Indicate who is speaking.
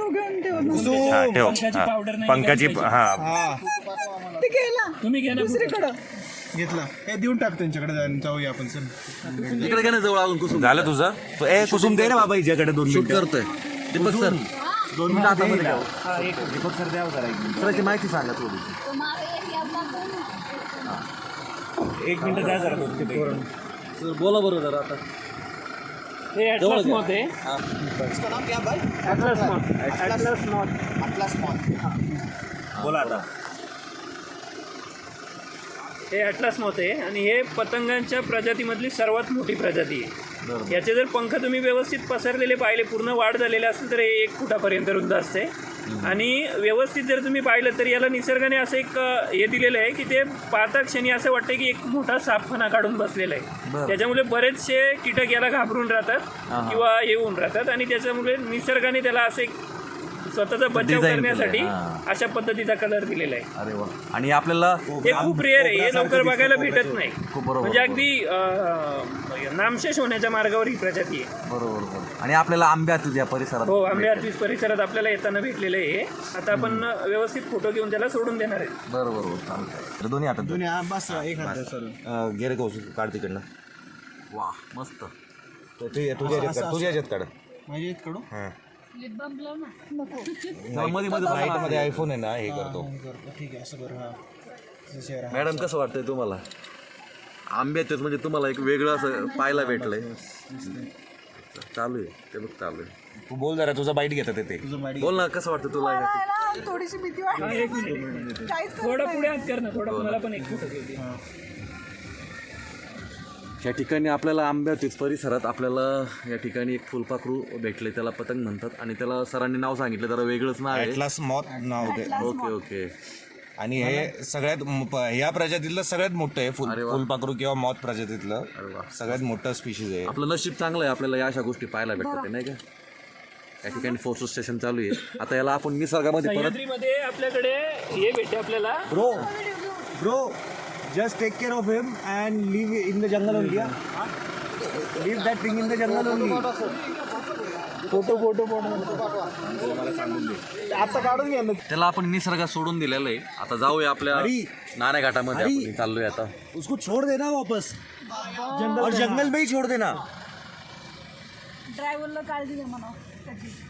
Speaker 1: घेऊन ठेव ना.
Speaker 2: हा ठेव
Speaker 3: पंखाची पावडर नाही
Speaker 2: पंखाची
Speaker 1: ते गेला
Speaker 3: तुम्ही घ्या ना
Speaker 1: दुसरीकडं.
Speaker 4: घेतला हे देऊन टाक त्यांच्याकडे जाऊया आपण सर.
Speaker 5: इकडे काय जवळ अजून कुसुम
Speaker 2: झालं तुझं ए कुसुम दे ना बाबा हिच्याकडे 2
Speaker 5: शूट
Speaker 2: मिनिटं
Speaker 5: करतोय. दीपक सर
Speaker 2: 2 मिनिटं हातामध्ये घ्या. दीपक सर द्या जरा 1 मिनिट.
Speaker 5: सरांची माहिती सांगा थोडी.
Speaker 2: 1 मिनिट द्या जरा
Speaker 5: सर बोला बरोबर जरा आता.
Speaker 3: हे ॲटलस मॉथ आहे.
Speaker 4: इसका नाम क्या भाई?
Speaker 3: Atlas moth. Atlas moth.
Speaker 4: Atlas moth.
Speaker 2: बोला आता.
Speaker 3: हे ॲटलस मॉथ आहे आणि हे पतंगांच्या प्रजातीमधली सर्वात मोठी प्रजाती आहे. याचे जर पंख तुम्ही व्यवस्थित पसरलेले पाहिले, पूर्ण वाढ झालेले असेल तर हे 1 फुटापर्यंत रुंद असते. आणि व्यवस्थित जर तुम्ही पाहिलं तर याला निसर्गाने असं एक हे दिलेलं आहे की ते पाहता क्षणी असं वाटतं की एक मोठा सापखाना काढून बसलेला आहे. त्याच्यामुळे बरेचसे कीटक याला घाबरून राहतात किंवा येऊन राहतात आणि त्याच्यामुळे निसर्गाने त्याला असं एक स्वतःचा बचाव करण्यासाठी अशा पद्धतीचा कलर दिलेला आहे.
Speaker 5: अरे वा. आणि आपल्याला
Speaker 3: हे खूप रेअर आहे, हे लवकर बघायला भेटत नाही.
Speaker 5: खूप बरोबर.
Speaker 3: म्हणजे अगदी नामशेष होण्याच्या मार्गावर ही प्रजाती आहे.
Speaker 5: बरोबर बरोबर. आणि आपल्याला आंब्यात या परिसरात
Speaker 3: हो, आंबे आर्टिस परिसरात आपल्याला येताना भेटलेलं आहे. आता आपण व्यवस्थित फोटो घेऊन त्याला सोडून देणार आहे.
Speaker 5: बरोबर बरोबर चालतंय. दोन्ही हातात
Speaker 4: दोन्ही बस एक हात सर.
Speaker 2: गेरे कौशल काढ तिकडनं.
Speaker 5: वा मस्त.
Speaker 2: तुझ्या ह्याच्यात काढ.
Speaker 4: माझ्या इकडून
Speaker 2: हां
Speaker 1: नको.
Speaker 5: मध्ये मध्ये
Speaker 2: मध्ये आयफोन आहे ना हे करतो.
Speaker 4: ठीक आहे असं बरं. हा
Speaker 5: मॅडम कसं वाटतंय तुम्हाला? आंब्यात म्हणजे तुम्हाला एक वेगळं असं पाहायला भेटलंय. चालू आहे ते बघ चालू आहे.
Speaker 2: तू बोल जरा तुझा बाईट घेतात ते.
Speaker 5: बोल ना कसं वाटतं तुला?
Speaker 1: मला आहे ना थोडीशी भीती वाटते. काहीच करत
Speaker 3: थोडं
Speaker 1: नाही.
Speaker 3: पुढे हात कर ना, थोडं मला पण एक फोटो घेऊ दे.
Speaker 5: या ठिकाणी आपल्याला आंब्यातीच परिसरात आपल्याला या ठिकाणी एक फुलपाखरू भेटले, त्याला पतंग म्हणतात आणि त्याला सरांनी नाव सांगितलं, जरा वेगळंच नाव आहे.
Speaker 2: ॲटलास मॉथ नाव होते.
Speaker 5: Okay okay.
Speaker 2: आणि हे सगळ्यात ह्या प्रजातीतलं सगळ्यात मोठं आहे फुलपाखरू किंवा मॉथ प्रजातीतलं सगळ्यात मोठं स्पीशीज आहे.
Speaker 5: आपलं नशीब चांगलं आहे, आपल्याला या अशा गोष्टी पाहायला भेटतात नाही का? या ठिकाणी फोटो स्टेशन चालू आहे. आता याला आपण निसर्गामध्ये परत
Speaker 3: सह्याद्रीमध्ये आपल्याकडे हे भेटते आपल्याला.
Speaker 2: Bro just take care of him and leave in the jungle only. Leave that thing in the jungle only.
Speaker 3: Photo
Speaker 2: मला सांगून दे.
Speaker 4: आता काढून घ्या ना.
Speaker 5: त्याला आपण निसर्गात सोडून दिलेलं आहे. आता जाऊया आपल्या नाणे घाटामध्ये. आपण चाललोय आता.
Speaker 2: उसको छोड़ देना वापस और जंगल में ही छोड़ देना.
Speaker 1: ड्रायव्हरला काळजी घ्या म्हणा त्याची.